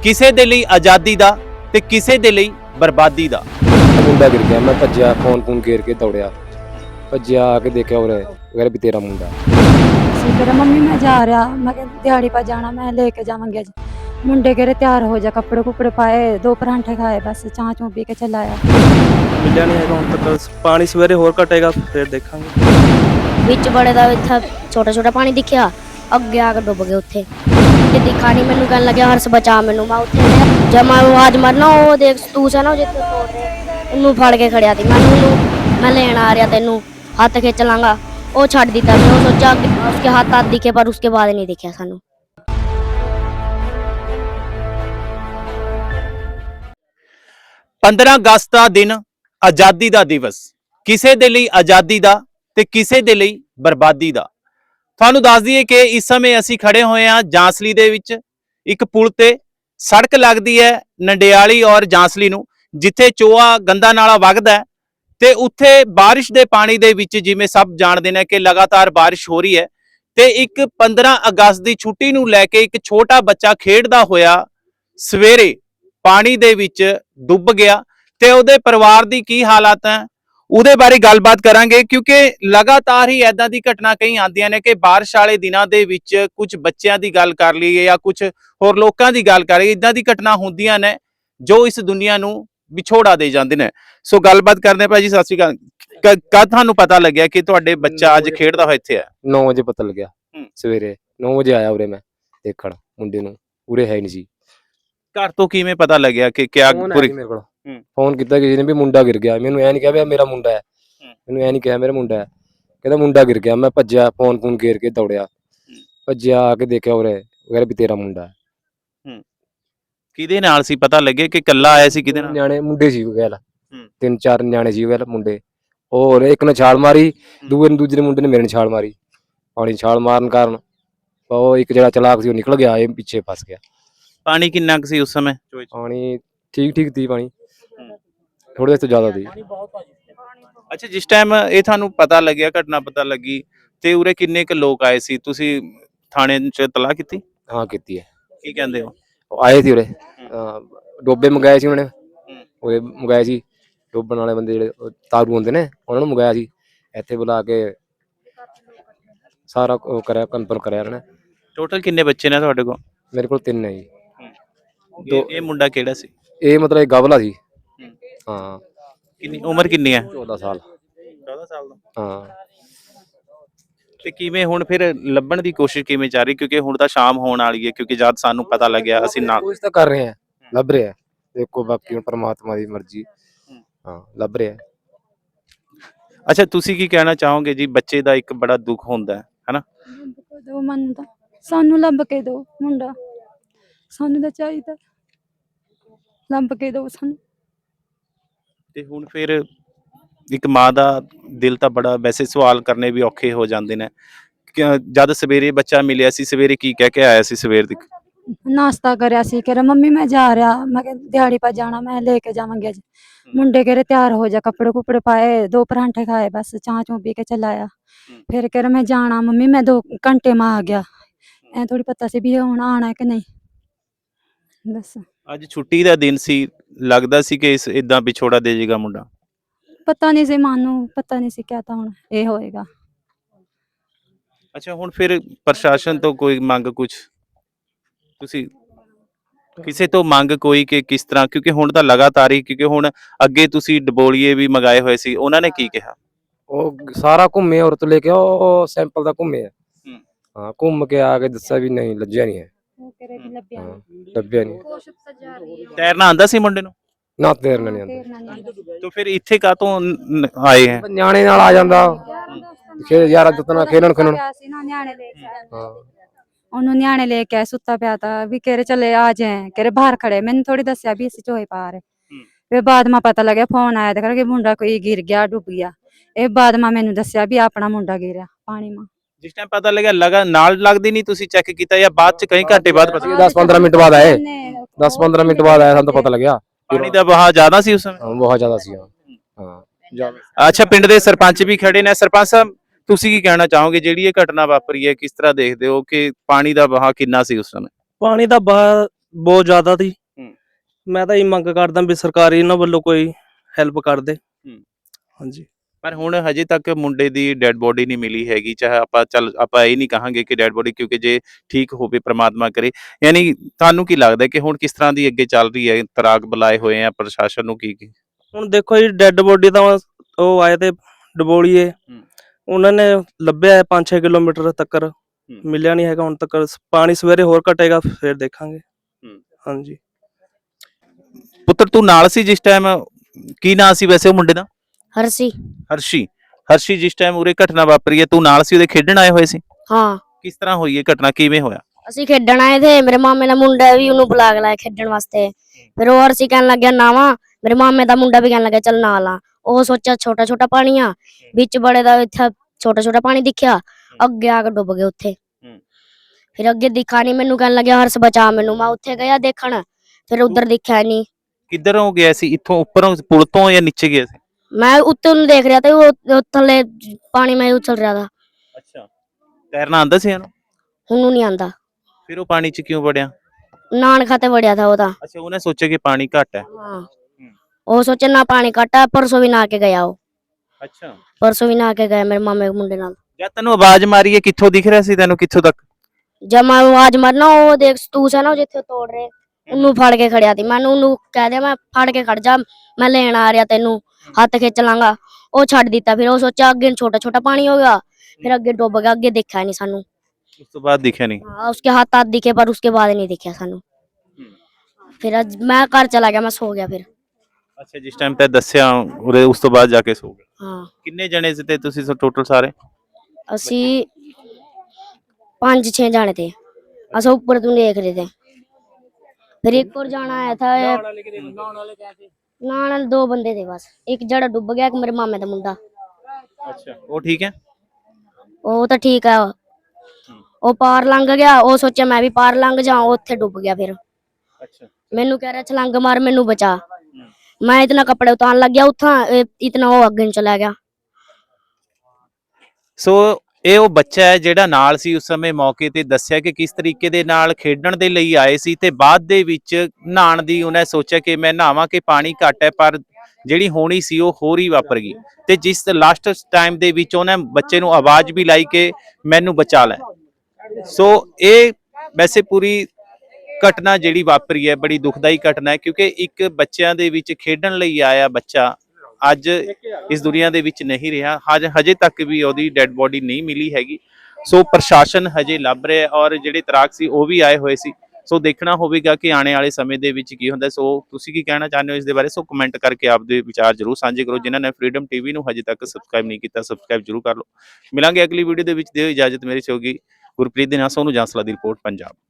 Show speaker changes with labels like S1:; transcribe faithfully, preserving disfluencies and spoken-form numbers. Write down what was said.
S1: ਕਿਸੇ ਦੇ ਲਈ ਆਜ਼ਾਦੀ ਦਾ ਤੇ ਕਿਸੇ ਦੇ ਲਈ ਬਰਬਾਦੀ ਦਾ।
S2: ਮੁੰਡਾ ਗਿਰ ਗਿਆ, ਮੈਂ ਭੱਜਿਆ, ਫੋਨ ਫੋਨ ਘੇਰ ਕੇ ਦੌੜਿਆ, ਭੱਜਿਆ ਆ ਕੇ ਦੇਖਿਆ ਉਰੇ ਵਗੈਰਾ ਵੀ ਤੇਰਾ ਮੁੰਡਾ।
S3: ਮੇਰਾ ਮੰਮੀ मैं जा रहा, मैं दिहाड़ी पर जाना, मैं लेके जाऊंगी अज। मुंडे कह रहे तैयार हो जा, कपड़े कुपड़े पाए, दो परांठे खाए, बस चाह चू पी के चला आया।
S4: मिलिया नहीं है ਹੁਣ ਤੱਕ, ਪਾਣੀ ਸਵੇਰੇ ਹੋਰ ਘਟੇਗਾ ਫਿਰ ਦੇਖਾਂਗੇ।
S5: ਵਿੱਚ ਬੜੇ ਦਾ ਇੱਥੇ ਛੋਟਾ ਛੋਟਾ ਪਾਣੀ ਦਿਖਿਆ, ਅੱਗੇ ਆ ਕੇ ਡੁੱਬ ਗਏ ਉੱਥੇ ਤੇ ਦਿਖਾ ਨਹੀਂ ਮੈਨੂੰ, ਕਹਿਣ ਲੱਗਿਆ ਹਰਸ ਬਚਾ ਮੈਨੂੰ। ਮੈਂ ਉੱਥੇ ਜਦ ਮੈਂ ਆਵਾਜ਼ ਮਾਰਨਾ, ਉਹ ਦੇਖ ਤੂੰ ਨਾ ਜਿੱਥੇ ਤੋੜ ਰਹੇ ਉਹਨੂੰ ਫੜ ਕੇ ਖੜਿਆ ਸੀ ਮੈਨੂੰ, ਉਹਨੂੰ ਮੈਂ ਲੈਣ ਆ ਰਿਹਾ ਤੈਨੂੰ ਹੱਥ ਖਿੱਚ ਲਾਂਗਾ, ਉਹ ਛੱਡ ਦਿੱਤਾ। ਮੈਂ ਉਹ ਸੋਚਾ ਉਸਕੇ ਹੱਥ ਹੱਥ ਦਿਖੇ ਪਰ ਉਸਕੇ ਬਾਅਦ ਨਹੀਂ ਦਿਖਿਆ ਸਾਨੂੰ।
S1: ਪੰਦਰਾਂ ਅਗਸਤ ਦਾ ਦਿਨ ਆਜ਼ਾਦੀ ਦਾ ਦਿਵਸ, ਕਿਸੇ ਦੇ ਲਈ ਆਜ਼ਾਦੀ ਦਾ ਤੇ ਕਿਸੇ ਦੇ ਲਈ ਬਰਬਾਦੀ ਦਾ। ਤੁਹਾਨੂੰ ਦੱਸ ਦਈਏ ਕਿ ਇਸ ਸਮੇਂ ਅਸੀਂ ਖੜੇ ਹੋਏ ਹਾਂ ਜਾਂਸਲੀ ਦੇ ਵਿੱਚ, ਇੱਕ ਪੁਲ ਤੇ ਸੜਕ ਲੱਗਦੀ ਹੈ ਨੰਡਿਆਲੀ ਔਰ ਜਾਂਸਲੀ ਨੂੰ, ਜਿੱਥੇ ਚੋਆ ਗੰਦਾ ਨਾਲਾ ਵਗਦਾ ਹੈ ਤੇ ਉੱਥੇ ਬਾਰਿਸ਼ ਦੇ ਪਾਣੀ ਦੇ ਵਿੱਚ, ਜਿਵੇਂ ਸਭ ਜਾਣਦੇ ਨੇ ਕਿ ਲਗਾਤਾਰ ਬਾਰਿਸ਼ ਹੋ ਰਹੀ ਹੈ, ਤੇ ਇੱਕ ਪੰਦਰਾਂ ਅਗਸਤ ਦੀ ਛੁੱਟੀ ਨੂੰ ਲੈ ਕੇ ਇੱਕ ਛੋਟਾ ਬੱਚਾ ਖੇਡਦਾ ਹੋਇਆ ਸਵੇਰੇ ਪਾਣੀ ਦੇ ਵਿੱਚ ਡੁੱਬ ਗਿਆ ਤੇ ਉਹਦੇ ਪਰਿਵਾਰ ਦੀ ਕੀ ਹਾਲਾਤ ਹੈ ਉਹਦੇ ਬਾਰੇ ਗੱਲਬਾਤ ਕਰਾਂਗੇ। ਕਿਉਂਕਿ ਲਗਾਤਾਰ ਹੀ ਐਦਾਂ ਦੀ ਘਟਨਾ ਕਈ ਆਉਂਦੀਆਂ ਨੇ ਕਿ ਬਾਰਿਸ਼ ਵਾਲੇ ਦਿਨਾਂ ਦੇ ਵਿੱਚ ਕੁਝ ਬੱਚਿਆਂ ਦੀ ਗੱਲ ਕਰ ਲਈਏ ਜਾਂ ਕੁਝ ਹੋਰ ਲੋਕਾਂ ਦੀ ਗੱਲ ਕਰੀਏ, ਇਦਾਂ ਦੀ ਘਟਨਾ ਹੁੰਦੀਆਂ ਨੇ ਜੋ ਇਸ ਦੁਨੀਆ ਨੂੰ ਵਿਛੋੜਾ ਦੇ ਜਾਂਦੇ ਨੇ। ਸੋ ਗੱਲਬਾਤ ਕਰਦੇ ਭਾਜੀ, ਸਤਿ ਸ਼੍ਰੀ ਅਕਾਲ। ਕਦ ਤੁਹਾਨੂੰ ਪਤਾ ਲੱਗਿਆ ਕਿ ਤੁਹਾਡੇ ਬੱਚਾ ਅੱਜ ਖੇਡਦਾ ਹੋਇਆ ਇੱਥੇ ਹੈ?
S2: ਨੌ ਵਜੇ ਪਤਾ ਲੱਗਿਆ, ਸਵੇਰੇ ਨੌ ਵਜੇ ਆਇਆ ਉਰੇ ਮੈਂ ਦੇਖਣ, ਮੁੰਡੇ ਨੂੰ ਉਰੇ ਹੈ ਨਹੀਂ ਸੀ।
S1: ਘਰ ਤੋਂ ਕਿਵੇਂ ਪਤਾ ਲੱਗਿਆ ਕਿ ਕਿਆ ਪੂਰੀ?
S2: ਮੇਰੇ ਕੋਲ ਫੋਨ ਕੀਤਾ ਕਿਸੇ ਨੇ ਵੀ ਮੁੰਡਾ ਗਿਰ ਗਿਆ, ਮੈਨੂੰ ਐ ਨਹੀਂ ਕਿਹਾ ਵੀ ਮੇਰਾ ਮੁੰਡਾ ਹੈ, ਮੈਨੂੰ ਐ ਨਹੀਂ ਕਿਹਾ ਮੇਰਾ ਮੁੰਡਾ ਹੈ, ਕਹਿੰਦਾ ਮੁੰਡਾ ਗਿਰ ਗਿਆ। ਮੈਂ ਭੱਜਿਆ, ਫੋਨ ਫੋਨ ਘੇਰ ਕੇ ਦੌੜਿਆ, ਭੱਜਿਆ ਆ ਕੇ ਦੇਖਿਆ ਉਰੇ ਵਗੈਰਾ ਵੀ ਤੇਰਾ ਮੁੰਡਾ ਹੈ।
S1: ਕਿਹਦੇ ਨਾਲ ਸੀ ਪਤਾ ਲੱਗੇ ਕਿ ਇਕੱਲਾ ਆਇਆ ਸੀ? ਕਿਹਦੇ ਨਾਲ?
S2: ਨਿਆਣੇ ਮੁੰਡੇ ਸੀ ਵਗੈਰਾ, ਤਿੰਨ ਚਾਰ ਨਿਆਣੇ ਸੀ ਵਗੈਰਾ ਮੁੰਡੇ। ਹੋਰ ਇੱਕ ਨੇ ਛਾਲ ਮਾਰੀ, ਦੂਏ ਨੇ ਦੂਜੇ ਮੁੰਡੇ ਨੇ ਮੇਰੇ ਨੇ ਛਾਲ ਮਾਰੀ। ਪਾਣੀ ਛਾਲ ਮਾਰਨ ਕਾਰਨ ਉਹ ਇੱਕ ਜਿਹੜਾ ਚਲਾਕ ਸੀ ਉਹ ਨਿਕਲ ਗਿਆ, ਇਹ ਪਿੱਛੇ ਫਸ ਗਿਆ।
S1: ਪਾਣੀ ਕਿੰਨਾ ਕੁ ਸੀ ਉਸ ਸਮੇਂ?
S2: ਪਾਣੀ ਠੀਕ ਠੀਕ ਸੀ, ਪਾਣੀ ਥੋੜੇ ਜਿਹਾ ਤੋਂ ਜ਼ਿਆਦਾ ਸੀ।
S1: ਅੱਛਾ, ਜਿਸ ਟਾਈਮ ਇਹ ਤੁਹਾਨੂੰ ਪਤਾ ਲੱਗਿਆ, ਘਟਨਾ ਪਤਾ ਲੱਗੀ, ਤੇ ਉਰੇ ਕਿੰਨੇ ਕੁ ਲੋਕ ਆਏ ਸੀ? ਤੁਸੀਂ ਥਾਣੇ 'ਚ ਤਲਾਹ ਕੀਤੀ?
S2: ਹਾਂ ਕੀਤੀ ਹੈ।
S1: ਕੀ ਕਹਿੰਦੇ ਹੋ?
S2: ਆਏ ਸੀ ਉਰੇ, ਡੋਬੇ ਮੰਗਾਏ ਸੀ ਉਹਨੇ, ਉਰੇ ਮੰਗਾਏ ਸੀ ਡੋਬਣ ਵਾਲੇ ਬੰਦੇ ਜਿਹੜੇ ਤਾਰੂ ਹੁੰਦੇ ਨੇ, ਉਹਨਾਂ ਨੂੰ ਮੰਗਾਇਆ ਸੀ। ਇੱਥੇ ਬੁਲਾ ਕੇ ਸਾਰਾ ਉਹ ਕਰਿਆ, ਕਨਫਰਮ ਕਰਿਆ ਉਹਨੇ।
S1: ਟੋਟਲ ਕਿੰਨੇ ਬੱਚੇ ਨੇ ਤੁਹਾਡੇ ਕੋਲ?
S2: ਮੇਰੇ ਕੋਲ ਤਿੰਨ ਹੈ ਜੀ।
S1: ਦੋ। ਇਹ ਮੁੰਡਾ ਕਿਹੜਾ ਸੀ?
S2: ਇਹ ਮਤਲਬ ਇਹ ਗਵਲਾ ਸੀ। ਹਾਂ।
S1: ਕਿੰਨੀ ਉਮਰ ਕਿੰਨੀ ਹੈ?
S2: ਚੌਦਾਂ ਸਾਲ।
S1: ਚੌਦਾਂ ਸਾਲ ਦਾ।
S2: ਹਾਂ।
S1: ਤੇ ਕਿਵੇਂ ਹੁਣ ਫਿਰ ਲੱਭਣ ਦੀ ਕੋਸ਼ਿਸ਼ ਕਿਵੇਂ ਚੱਲ ਰਹੀ? ਕਿਉਂਕਿ ਹੁਣ ਤਾਂ ਸ਼ਾਮ ਹੋਣ ਵਾਲੀ ਹੈ, ਕਿਉਂਕਿ ਜਦ ਸਾਨੂੰ ਪਤਾ ਲੱਗਿਆ ਅਸੀਂ ਨਾ
S2: ਕੋਸ਼ਿਸ਼ ਤਾਂ ਕਰ ਰਹੇ ਹਾਂ, ਲੱਭ ਰਹੇ ਆ, ਦੇਖੋ ਬਾਕੀ ਹੁਣ ਪਰਮਾਤਮਾ ਦੀ ਮਰਜ਼ੀ। ਹਾਂ, ਲੱਭ ਰਹੇ ਆ।
S1: ਅੱਛਾ, ਤੁਸੀਂ ਕੀ ਕਹਿਣਾ ਚਾਹੋਗੇ ਜੀ? ਬੱਚੇ ਦਾ ਇੱਕ ਬੜਾ ਦੁੱਖ ਹੁੰਦਾ ਹੈ ਹਨਾ?
S3: ਦੋ ਮਨ ਦਾ ਸਾਨੂੰ ਲੱਭ ਕੇ ਦੋ ਮੁੰਡਾ, ਸਾਨੂੰ ਤਾਂ ਚਾਹੀਦਾ, ਲੱਭ ਕੇ ਦੋ ਸਾਨੂੰ।
S1: ਤੇ ਹੁਣ ਫਿਰ ਇੱਕ ਮਾਂ ਦਾ ਦਿਲ ਤਾਂ ਬੜਾ, ਵੈਸੇ ਸਵਾਲ ਕਰਨੇ ਵੀ ਔਖੇ ਹੋ ਜਾਂਦੇ ਨੇ। ਜਦ ਸਵੇਰੇ ਬੱਚਾ ਮਿਲਿਆ ਸੀ, ਸਵੇਰੇ ਕੀ ਕਹਿ ਕੇ ਆਇਆ ਸੀ? ਸਵੇਰ ਦੀ
S3: नाश्ता करिया सी, कह रहा मम्मी मैं जा रहा, मैं दिहाड़ी पर जाना, मैं लेके जाऊंगी अज। मुंडे कह रहे तैयार हो जा, कपड़े कुपड़े पाए, दो परांठे खाए, बस चाह चू पी के चला आया। फिर कह रहा मैं जाना मम्मी, मैं दो घंटे में आ गया। ऐ थोड़ी पता सी भी हुण आना है कि नहीं। बस
S1: ਅੱਜ ਛੁੱਟੀ ਦਾ ਦਿਨ ਸੀ, ਲੱਗਦਾ ਸੀ ਕਿ ਇਸ ਇਦਾਂ ਵਿਛੋੜਾ ਦੇ ਜਾਏਗਾ ਮੁੰਡਾ?
S3: पता नहीं सी मानू, पता नहीं सी क्या था हुण ये होएगा।
S1: ਅੱਛਾ, ਹੁਣ ਫਿਰ ਪ੍ਰਸ਼ਾਸਨ ਤੋਂ ਕੋਈ ਮੰਗ, ਕੁਝ ਤੁਸੀਂ ਕਿਸੇ ਤੋਂ ਮੰਗ ਕੋਈ ਕਿ ਕਿਸ ਤਰ੍ਹਾਂ? ਕਿਉਂਕਿ ਹੁਣ ਤਾਂ ਲਗਾਤਾਰ ਹੀ, ਕਿਉਂਕਿ ਹੁਣ ਅੱਗੇ ਤੁਸੀਂ ਡਬੋਲੀਏ ਵੀ ਮੰਗਾਏ ਹੋਏ ਸੀ, ਉਹਨਾਂ ਨੇ ਕੀ ਕਿਹਾ?
S2: ਉਹ ਸਾਰਾ ਘੁੰਮੇ ਔਰ ਤੋਂ ਲੈ ਕੇ ਉਹ ਸੈਂਪਲ ਦਾ ਘੁੰਮੇ ਆ। ਹਾਂ, ਘੁੰਮ ਕੇ ਆ ਕੇ ਦੱਸਿਆ ਵੀ ਨਹੀਂ, ਲੱਜਿਆ ਨਹੀਂ ਹੈ। ਲੱਭਿਆ ਨਹੀਂ।
S1: ਤੈਰਨਾ ਆਂਦਾ ਸੀ ਮੁੰਡੇ ਨੂੰ?
S2: ਨਾ ਤੈਰਨਾ ਨਹੀਂ ਆਉਂਦਾ।
S1: ਤਾਂ ਫਿਰ ਇੱਥੇ ਕਾਹਤੋਂ ਆਏ ਹੈ?
S2: ਨਿਆਣੇ ਨਾਲ ਆ ਜਾਂਦਾ, ਖੇਡ ਯਾਰਾ ਦੁੱਤਨਾ ਖੇਡਣ ਖੇਡਣ।
S3: ਉਹਨੂੰ ਨਿਆਣੇ ਲੈ ਕੇ ਸੁੱਤਾ ਪਿਆ ਤਾਂ ਵੀ ਕਹ ਰਹੇ ਚਲੇ ਆ ਜਾਏ, ਕਹ ਰਹੇ ਬਾਹਰ ਖੜੇ, ਮੈਨੂੰ ਥੋੜੀ ਦੱਸਿਆ ਵੀ ਅਸੀਂ ਚੋਏ ਪਾ ਰਹੇ। ਫਿਰ ਬਾਅਦ ਮਾ ਪਤਾ ਲੱਗਿਆ, ਫੋਨ ਆਇਆ ਤੇ ਕਰਕੇ ਮੁੰਡਾ ਕੋਈ ਗਿਰ ਗਿਆ, ਡੁੱਬ ਗਿਆ। ਇਹ ਬਾਅਦ ਮਾ ਮੈਨੂੰ ਦੱਸਿਆ ਵੀ ਆਪਣਾ ਮੁੰਡਾ ਗਿਰਿਆ ਪਾਣੀ ਮਾ।
S1: ਜਿਸ ਟਾਈਮ ਪਤਾ ਲੱਗਿਆ, ਲਗਾ ਨਾਲ ਲੱਗਦੀ ਨਹੀਂ, ਤੁਸੀਂ ਚੈੱਕ ਕੀਤਾ ਜਾਂ ਬਾਅਦ ਚ ਕਈ ਘੰਟੇ ਬਾਅਦ ਪਤਾ?
S2: ਦਸ ਪੰਦਰਾਂ ਮਿੰਟ ਬਾਅਦ ਆਏ, ਦਸ ਪੰਦਰਾਂ ਮਿੰਟ ਬਾਅਦ ਆਇਆ, ਸਾਨੂੰ ਤਾਂ ਪਤਾ ਲੱਗਿਆ।
S1: ਪਾਣੀ ਦਾ ਵਹਾਅ ਜ਼ਿਆਦਾ ਸੀ ਉਸ ਸਮੇਂ?
S2: ਬਹੁਤ ਜ਼ਿਆਦਾ ਸੀ। ਹਾਂ।
S1: ਅੱਛਾ, ਪਿੰਡ ਦੇ ਸਰਪੰਚ ਵੀ ਖੜੇ ਨੇ। ਸਰਪੰਚ ਸਾਹਿਬ, ਤੁਸੀਂ ਕੀ ਕਹਿਣਾ ਚਾਹੋਗੇ? ਜਿਹੜੀ ਇਹ ਘਟਨਾ ਵਾਪਰੀ ਹੈ, ਕਿਸ ਤਰ੍ਹਾਂ ਦੇਖਦੇ ਹੋ ਕਿ ਪਾਣੀ ਦਾ ਵਹਾਅ ਕਿੰਨਾ ਸੀ ਉਸ ਸਮੇਂ?
S4: ਪਾਣੀ ਦਾ ਵਹਾਅ ਬਹੁਤ ਜ਼ਿਆਦਾ ਸੀ।
S1: ਹੂੰ।
S4: ਮੈਂ ਤਾਂ ਇਹ ਮੰਗ ਕਰਦਾ ਵੀ ਸਰਕਾਰੀ ਇਹਨਾਂ ਵੱਲੋਂ ਕੋਈ ਹੈਲਪ ਕਰ ਦੇ।
S1: ਹੂੰ।
S4: ਹਾਂਜੀ।
S1: ਪਰ ਹੁਣ ਹਜੇ ਤੱਕ ਮੁੰਡੇ ਦੀ ਡੈੱਡ ਬੋਡੀ ਨਹੀਂ ਮਿਲੀ ਹੈਗੀ, ਚਾਹੇ ਆਪਾਂ ਚੱਲ ਆਪਾਂ ਇਹ ਨਹੀਂ ਕਹਾਂਗੇ ਕਿ ਡੈੱਡ ਬੋਡੀ, ਕਿਉਂਕਿ ਜੇ ਠੀਕ ਹੋਵੇ ਪ੍ਰਮਾਤਮਾ ਕਰੇ। ਯਾਨੀ ਤੁਹਾਨੂੰ ਕੀ ਲੱਗਦਾ ਕਿ ਹੁਣ ਕਿਸ ਤਰ੍ਹਾਂ ਦੀ ਅੱਗੇ ਚੱਲ ਰਹੀ ਹੈ? ਤਰਾਗ ਬੁਲਾਏ ਹੋਏ ਆ ਪ੍ਰਸ਼ਾਸਨ ਨੂੰ, ਕੀ ਕੀ
S4: ਹੁਣ ਦੇਖੋ ਜੀ, ਡੈੱਡ ਬੋਡੀ ਤਾਂ ਉਹ ਆਏ ਤੇ ਡਬੋਲੀਏ, ਉਹਨਾਂ ਨੇ ਲੱਭਿਆ ਪੰਜ ਛੇ ਕਿਲੋਮੀਟਰ ਤੱਕ, ਮਿਲਿਆ ਨਹੀਂ ਹੈਗਾ ਹੁਣ ਤੱਕ। ਪਾਣੀ ਸਵੇਰੇ ਹੋਰ ਘਟੇਗਾ ਫਿਰ ਦੇਖਾਂਗੇ। ਹਾਂਜੀ।
S1: ਪੁੱਤਰ ਤੂੰ ਨਾਲ ਸੀ ਜਿਸ ਟਾਈਮ? ਕੀ ਨਾਂ ਸੀ ਵੈਸੇ ਉਹ ਮੁੰਡੇ ਦਾ?
S5: ਹਰਸੀ।
S1: ਹਰਸ਼ੀ। ਹਰਸ਼ੀ, ਜਿਸ ਟਾਈਮ ਉਰੇ ਘਟਨਾ ਵਾਪਰੀ ਹੈ ਤੂੰ ਨਾਲ ਸੀ, ਉਹਦੇ ਖੇਡਣ ਆਏ ਹੋਏ ਸੀ?
S5: ਹਾਂ।
S1: ਕਿਸ ਤਰ੍ਹਾਂ ਹੋਈ ਇਹ ਘਟਨਾ, ਕਿਵੇਂ ਹੋਇਆ?
S5: ਅਸੀਂ ਖੇਡਣ ਆਏ ਥੇ, ਮੇਰੇ ਮਾਮੇ ਦਾ ਮੁੰਡਾ ਵੀ ਉਹਨੂੰ ਬੁਲਾ ਕੇ ਲਾਇਆ ਖੇਡਣ ਵਾਸਤੇ। ਫਿਰ ਉਹ ਹਰਸੀ ਕਹਿਣ ਲੱਗਿਆ ਨਾਵਾ, ਮੇਰੇ ਮਾਮੇ ਦਾ ਮੁੰਡਾ ਵੀ ਕਹਿਣ ਲੱਗਿਆ ਚੱਲ ਨਾਲ ਆ। ਉਹ ਸੋਚਿਆ ਛੋਟਾ ਛੋਟਾ ਪਾਣੀ ਆ, ਵਿੱਚ ਬੜੇ ਦਾ ਇੱਥੇ ਛੋਟਾ ਛੋਟਾ ਪਾਣੀ ਦਿਖਿਆ, ਅੱਗੇ ਆ ਕੇ ਡੁੱਬ ਗਏ ਉੱਥੇ। ਫਿਰ ਅੱਗੇ ਦਿਖਾ ਨਹੀਂ, ਮੈਨੂੰ ਕਹਿਣ ਲੱਗਿਆ ਹਰਸ ਬਚਾ ਮੈਨੂੰ। ਮੈਂ ਉੱਥੇ ਗਿਆ ਦੇਖਣ, ਫਿਰ ਉਧਰ ਦਿਖਿਆ ਨਹੀਂ।
S1: ਕਿੱਧਰੋਂ ਗਿਆ ਸੀ? ਇੱਥੋਂ ਉੱਪਰੋਂ ਪੁਲ ਤੋਂ ਜਾਂ ਨੀਚੇ ਗਿਆ ਸੀ?
S5: ਮੈਂ ਉੱਤੇ ਉਹਨੂੰ ਦੇਖ ਰਿਹਾ ਤੇ ਉਹ ਥੱਲੇ ਪਾਣੀ ਮੈਂ ਉਛਲ ਰਿਹਾ था।
S1: ਅੱਛਾ, ਤੈਰਨਾ ਆਂਦਾ ਸੀ ਇਹਨੂੰ?
S5: ਉਹਨੂੰ ਨਹੀਂ ਆਂਦਾ।
S1: ਫਿਰ ਉਹ ਪਾਣੀ 'ਚ ਕਿਉਂ ਵੜਿਆ?
S5: ਨਾਨ ਖਾਤੇ ਵੜਿਆ था ਉਹ ਤਾਂ।
S1: ਅੱਛਾ, ਉਹਨੇ ਸੋਚਿਆ ਕਿ ਪਾਣੀ ਘੱਟ ਹੈ।
S5: ਹਾਂ, ਉਹ ਸੋਚਿਆ ਨਾ ਪਾਣੀ ਘੱਟ ਹੈ। ਪਰਸੋਂ ਵੀ ਨਹਾ ਕੇ ਗਿਆ ਉਹ।
S1: ਅੱਛਾ,
S5: ਪਰਸੋਂ ਵੀ ਨਹਾ ਕੇ ਗਿਆ ਮੇਰੇ ਮਾਮੇ ਦੇ ਮੁੰਡੇ ਨਾਲ।
S1: ਜਦ ਤੈਨੂੰ ਆਵਾਜ਼ ਮਾਰੀ ਹੈ ਕਿੱਥੋਂ ਦਿਖ ਰਿਹਾ ਸੀ ਤੈਨੂੰ, ਕਿੱਥੋਂ ਤੱਕ?
S5: ਜਦ ਮੈਂ ਆਵਾਜ਼ ਮਾਰਨਾ, ਉਹ ਦੇਖ ਸਤੂਸ ਹੈ ਨਾ ਜਿੱਥੇ ਤੋੜ ਰਹੇ, ਉਹਨੂੰ ਫੜ ਕੇ ਖੜਿਆ ਸੀ। ਮੈਨੂੰ ਉਹਨੂੰ ਕਹਿ ਦਿਆ ਮੈਂ ਫੜ ਕੇ ਖੜ ਜਾ, ਮੈਂ ਲੈਣ ਆ ਰਿਹਾ ਤੈਨੂੰ, ਹੱਥ ਖਿੱਚ ਲਾਂਗਾ। ਉਹ ਛੱਡ ਦਿੱਤਾ। ਫਿਰ ਉਹ ਸੋਚਿਆ ਅੱਗੇ ਛੋਟਾ ਛੋਟਾ ਪਾਣੀ ਹੋ ਗਿਆ, ਫਿਰ ਅੱਗੇ ਡੁੱਬ ਗਿਆ। ਅੱਗੇ ਦੇਖਿਆ ਨਹੀਂ ਸਾਨੂੰ।
S1: ਉਸ ਤੋਂ ਬਾਅਦ ਦਿਖਿਆ ਨਹੀਂ?
S5: हाँ, उसके हाथ हाथ दिखे पर उसके बाद नहीं दिखा सानू। फिर आज मैं घर चला गया, मैं सो गया फिर।
S1: ਅੱਛਾ, ਜਿਸ ਟਾਈਮ ਤੇ ਦੱਸਿਆ ਉਰੇ, ਉਸ ਤੋਂ ਬਾਅਦ ਜਾ ਕੇ ਸੋ ਗਏ।
S5: हाँ,
S1: ਕਿੰਨੇ ਜਣੇ ਸੀ ਤੇ ਤੁਸੀਂ ਟੋਟਲ ਸਾਰੇ?
S5: असी पांच छह जाने थे। अस ऊपर तुम देख रहे थे। फिर एक और जाना आया था। ना दो बंदे थे बस, एक जड़ा डूब गया, एक मेरे मामे का मुंडा।
S1: ਅੱਛਾ, ਉਹ ਠੀਕ ਹੈ?
S5: वो तो ठीक है। वो पार लंघ गया, वो सोचा मैं भी पार लंघ जाऊं, उत्थे डूब गया। फिर
S1: ਅੱਛਾ,
S5: मैनू कह रहा छलांग मार, मैनू बचा। मैं इतना कपड़े उतारन लग गया उथा, इतना वो अगे चला गया।
S1: ਸੋ ਇਹ ਉਹ ਬੱਚਾ ਹੈ ਜਿਹੜਾ ਨਾਲ ਸੀ ਉਸ ਸਮੇਂ ਮੌਕੇ ਤੇ, ਦੱਸਿਆ ਕਿ ਕਿਸ ਤਰੀਕੇ ਦੇ ਨਾਲ ਖੇਡਣ ਦੇ ਲਈ ਆਏ ਸੀ ਤੇ ਬਾਅਦ ਦੇ ਵਿੱਚ ਨਹਾਣ ਦੀ ਉਹਨੇ ਸੋਚਿਆ ਕਿ ਮੈਂ ਨਹਾਵਾਂ ਕਿ ਪਾਣੀ ਘੱਟ ਹੈ, ਪਰ ਜਿਹੜੀ ਹੋਣੀ ਸੀ ਉਹ ਹੋਰ ਹੀ ਵਾਪਰ ਗਈ। ਤੇ ਜਿਸ ਲਾਸਟ ਟਾਈਮ ਦੇ ਵਿੱਚ ਉਹਨੇ ਬੱਚੇ ਨੂੰ ਆਵਾਜ਼ ਵੀ ਲਾਈ ਕਿ ਮੈਨੂੰ ਬਚਾ ਲੈ। ਸੋ ਇਹ ਵੈਸੇ ਪੂਰੀ ਘਟਨਾ ਜਿਹੜੀ ਵਾਪਰੀ ਹੈ ਬੜੀ ਦੁਖਦਾਈ ਘਟਨਾ ਹੈ, ਕਿਉਂਕਿ ਇੱਕ ਬੱਚਿਆਂ ਦੇ ਵਿੱਚ ਖੇਡਣ ਲਈ ਆਇਆ ਬੱਚਾ ਅੱਜ ਇਸ ਦੁਨੀਆ ਦੇ ਵਿੱਚ ਨਹੀਂ ਰਿਹਾ। ਹਜੇ ਹਜੇ ਤੱਕ ਵੀ ਉਹਦੀ ਡੈੱਡ ਬੋਡੀ ਨਹੀਂ ਮਿਲੀ ਹੈਗੀ। ਸੋ ਪ੍ਰਸ਼ਾਸਨ ਹਜੇ ਲੱਭ ਰਿਹਾ ਔਰ ਜਿਹੜੇ ਤਰਾਕ ਸੀ ਉਹ ਵੀ ਆਏ ਹੋਏ ਸੀ। ਸੋ ਦੇਖਣਾ ਹੋਵੇਗਾ ਕਿ ਆਉਣੇ ਵਾਲੇ ਸਮੇਂ ਦੇ ਵਿੱਚ ਕੀ ਹੁੰਦਾ। ਸੋ ਤੁਸੀਂ ਕੀ ਕਹਿਣਾ ਚਾਹੁੰਦੇ ਹੋ ਇਸ ਦੇ ਬਾਰੇ? ਸੋ ਕਮੈਂਟ ਕਰਕੇ ਆਪਦੇ ਵਿਚਾਰ ਜ਼ਰੂਰ ਸਾਂਝੇ ਕਰੋ। ਜਿਨ੍ਹਾਂ ਨੇ ਫਰੀडम ਟੀਵੀ ਨੂੰ ਹਜੇ ਤੱਕ ਸਬਸਕ੍ਰਾਈਬ ਨਹੀਂ ਕੀਤਾ, ਸਬਸਕ੍ਰਾਈਬ ਜ਼ਰੂਰ ਕਰ ਲਓ। ਮਿਲਾਂਗੇ ਅਗਲੀ ਵੀਡੀਓ ਦੇ ਵਿੱਚ। ਦਿਓ ਇਜਾਜ਼ਤ। ਮੇਰੀ ਸਹਿਯੋਗੀ ਗੁਰਪ੍ਰੀਤ ਦੇ ਨਾਲ। ਸੋਨੂੰ ਜਾਂਸਲਾ ਦੀ ਰਿਪੋਰਟ, ਪੰਜਾਬ।